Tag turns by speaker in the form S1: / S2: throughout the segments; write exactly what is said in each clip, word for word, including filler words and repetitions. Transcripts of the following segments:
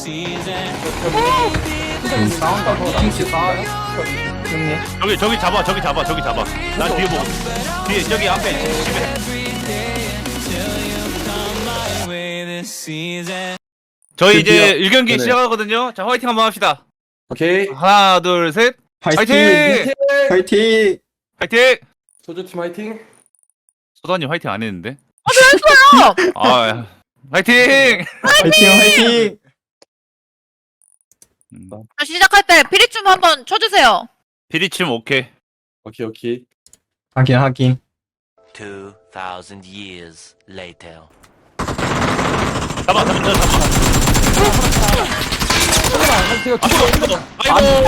S1: 팀장님 싸운다고 팀치 싸워요? 형님
S2: 저기 저기 잡아 저기 잡아 저기 잡아 난 뒤에 보고 뒤에 저기 앞에 집에 저희 이제 일 경기
S1: 네네.
S2: 시작하거든요. 자 화이팅 한번 합시다.
S1: 오케이
S2: 하나 둘 셋 화이팅!
S1: 화이팅!
S2: 화이팅!
S1: 소주팀 화이팅!
S2: 소다님 화이팅 안 했는데?
S3: 했어요.
S2: 아 화이팅!
S1: 화이팅 화이팅!
S2: 음,
S3: 자, 시작할 때 피리춤 한번 쳐주세요.
S2: 피리춤 오케이.
S1: 오케이 오케이
S4: 하긴 하긴.
S5: Two thousand years later.
S2: 잡아 잡아 잡아 잡아. 아이고 아이고.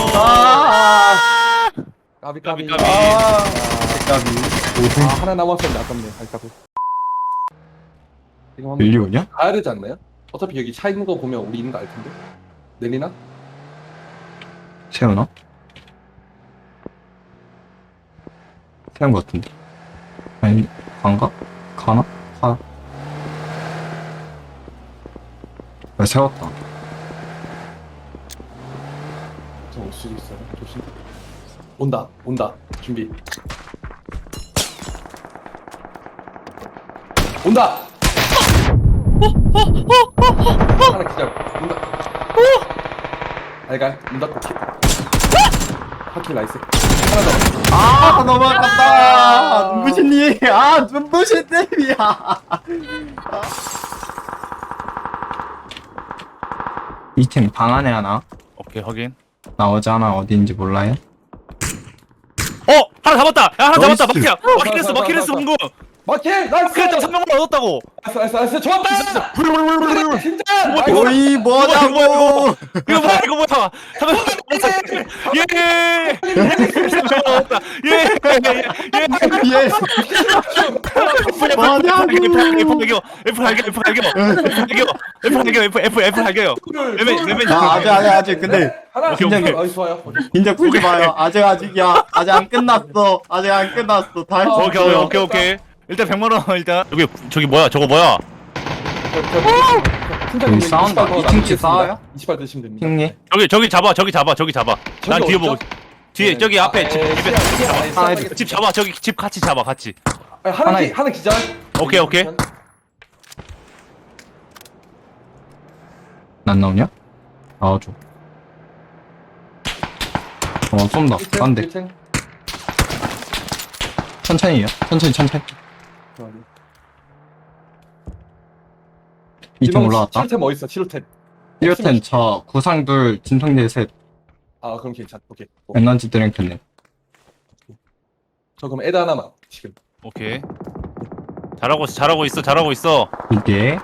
S1: 아 까비 까비
S2: 까비, 까비.
S1: 아,
S4: 까비.
S1: 아 하나 남았었는데 아깝네 아깝네 지금 한번
S4: 밀리오냐?
S1: 가야 되지 않나요? 어차피 여기 차 있는 거 보면 우리 있는 거 알 텐데 내리나?
S4: 세우나? 세운 것 같은데. 아니, 간가? 가나? 가. 아, 세웠다.
S1: 좀 올 수도 있어요 조심 온다 온다 준비 온다 하나 기절 온다 알갈 문 닫고 키 하키 나이스 하나 더
S4: 아, 너무 아깝다! 눈부신님! 아, 눈부신님이야! 이 팀 방 안에 하나?
S2: 오케이 확인.
S4: 나오지 않아 어디인지 몰라요?
S2: 어 하나 잡았다. 야 하나 잡았다.
S4: 나이스.
S2: 마키야. 마키레스 마키레스 문구.
S1: 마킬 나이스
S2: 마키레스 삼 명을 얻었다고.
S1: 나이스 나이스 나이스 좋았다 진짜 나이스.
S4: 오이, 뭐냐고!
S2: 이거 뭐야 이거 뭐야. 예. 얻었다. 예. 예.
S4: 예! 뭐냐고!
S2: F 할게요. F 할게요. F 할게요. F 할게요. F 할게요. F F F 할게요. 레벨 레벨.
S4: 아, 아직, 아직, 아직, 근데.
S1: 하나
S2: 오케이,
S1: 오케이
S2: 오케이.
S1: 나이스 좋아요
S4: 진짜 풀지 마요. 아직 아직이야. 아직 안 끝났어. 아직 안 끝났어. 다 할 수
S2: 오케이
S4: 있어요.
S2: 오케이 오케이. 일단 백만 원 일단. 여기 저기 뭐야? 저거 뭐야?
S1: 팀장님
S4: 여기 싸운다. 이 팀치 싸워요?
S1: 이십 발 드시면 됩니다
S4: 형님.
S2: 저기 저기 잡아. 저기 잡아. 저기 잡아. 난
S1: 저기
S2: 뒤에
S1: 어디죠?
S2: 보고. 뒤에 저기 앞에 집 집에
S4: 하나
S2: 집 잡아. 저기 집 같이 잡아. 같이.
S1: 하나
S4: 하나
S1: 기, 하나 기절
S2: 오케이, 오케이.
S4: 안 나오냐? 나와줘. 어, 쏜다. 안 돼. 천천히요. 천천히, 천천히. 이 팀 올라왔다.
S1: 칠템 뭐 있어 칠템
S4: 일 템 저 구상둘 진통제 셋
S1: 아 그럼 괜찮 오케이 어,
S4: 에너지 드링크네.
S1: 저 그럼 애드 하나만 지금
S2: 오케이. 잘하고 있어. 잘하고 있어. 잘하고 있어.
S4: 이게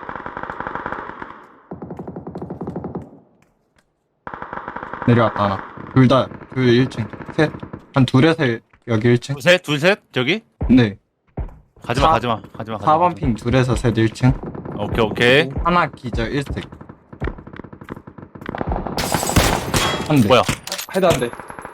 S4: 내려왔다 하나. 둘 다, 둘 일 층. 셋. 한 둘에서 여기 일 층.
S2: 둘 셋. 둘 셋. 저기.
S4: 네.
S2: 가지마.
S4: 사-
S2: 가지마. 가지마.
S4: 사 번 핑 둘에서 셋 일 층.
S2: 오케이 오케이.
S4: 하나 기절 일 색. 한 대.
S2: 뭐야?
S1: 헤드 한대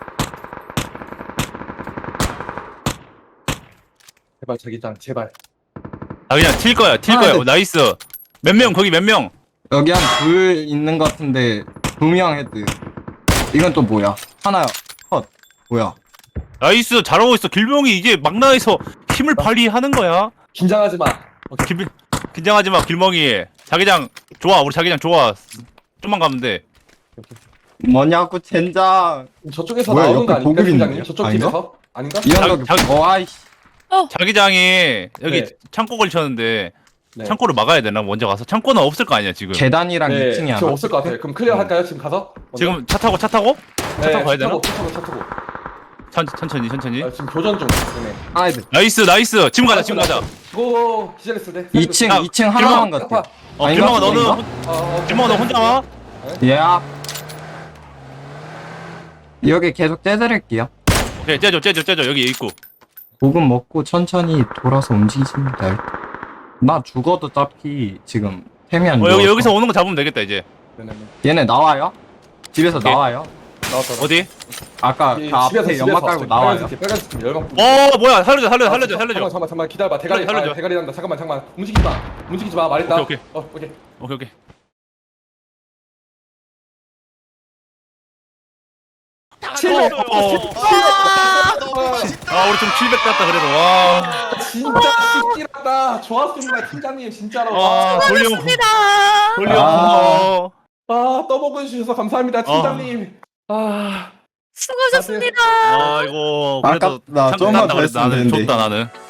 S1: 제발 자기장 제발
S2: 아 그냥 튈 거야. 튈
S4: 하나,
S2: 거야.
S4: 둘.
S2: 어, 나이스. 몇 명? 거기 몇 명?
S4: 여기 한 둘 있는 것 같은데 두 명 헤드. 이건 또 뭐야? 하나 컷. 뭐야?
S2: 나이스. 잘하고 있어. 길명이 이제 막 나와서 힘을 발휘하는 거야.
S1: 긴장하지 마 오케이
S2: 길, 긴장하지 마. 길멍이. 자기장 좋아. 우리 자기장 좋아. 좀만 가면 돼.
S4: 뭐냐고 젠장.
S1: 저쪽에서
S4: 뭐야,
S1: 나오는 거
S4: 옆에
S1: 아닙니까
S4: 보급
S1: 팀장님
S4: 있는데요?
S1: 저쪽
S4: 아닌가?
S1: 집에서 아닌가?
S4: 이런
S2: 자-
S4: 거. 어 아이씨.
S2: 자기장이 여기
S1: 네.
S2: 창고 걸쳤는데
S1: 네.
S2: 창고를 막아야 되나? 먼저 가서 창고는 없을 거 아니야 지금.
S4: 계단이랑
S1: 네
S4: 이 층이
S1: 지금
S4: 하나.
S1: 없을 것 같아요 그럼 클리어 할까요 지금 가서? 먼저?
S2: 지금 차 타고 차 타고? 차
S1: 네,
S2: 타고 가야
S1: 차 타고
S2: 되나?
S1: 차 타고 차 타고
S2: 천, 천천히 천천히.
S1: 아, 지금 교전 중 네.
S4: 하나 헤드.
S2: 나이스 나이스. 지금 가자 지금 가자.
S1: 고 기절했을 때
S4: 이 층
S2: 야,
S4: 이 층 하나만
S1: 길망,
S4: 같아.
S2: 어
S4: 아닌가?
S2: 길멍아 너는
S4: 아닌가?
S1: 어, 어,
S2: 길멍아 너 혼자 와?
S4: 예. 여기 계속 떼드릴게요.
S2: 오케이 째줘 째줘 째줘 여기 있고.
S4: 보금 먹고 천천히 돌아서 움직이시면 돼. 나 죽어도 어차피 지금 템이 안
S2: 어
S4: 좋아.
S2: 여기 여기서 오는 거 잡으면 되겠다 이제.
S1: 네네네
S4: 얘네 나와요? 집에서
S2: 오케이.
S4: 나와요?
S1: 나왔다
S2: 어디?
S4: 아까
S1: 이
S4: 그 앞에 연막 깔고 나와요.
S1: 빨간색 빨간색 팀 열방
S2: 어 뭐야 살려줘 살려줘 살려줘
S1: 잠깐만
S2: 살려줘.
S1: 잠깐만 잠깐만 기다려봐 대가리
S2: 살려줘.
S1: 아, 대가리 난다 잠깐만 잠깐만 움직이지 마 움직이지 마 말했다
S2: 오케이,
S1: 어 오케이
S2: 오케이 오케이.
S1: 칠백.
S2: 어.
S6: 아, 너무 맛있다.
S2: 아 우리 좀 킬백 땄다 그래도 와.
S1: 진짜 씩씩하다. 좋았습니다, 팀장님 진짜로.
S2: 아 돌려
S3: 수고하셨습니다.
S2: 돌려.
S4: 아.
S1: 아, 떠먹여 주셔서 감사합니다, 팀장님. 아.
S3: 수고하셨습니다.
S2: 아 이거 그래도
S4: 아깝다.
S2: 참
S4: 좀만
S2: 낫다
S4: 더
S2: 그래도
S4: 했으면
S2: 나는
S4: 되는데.
S2: 줬다 나는.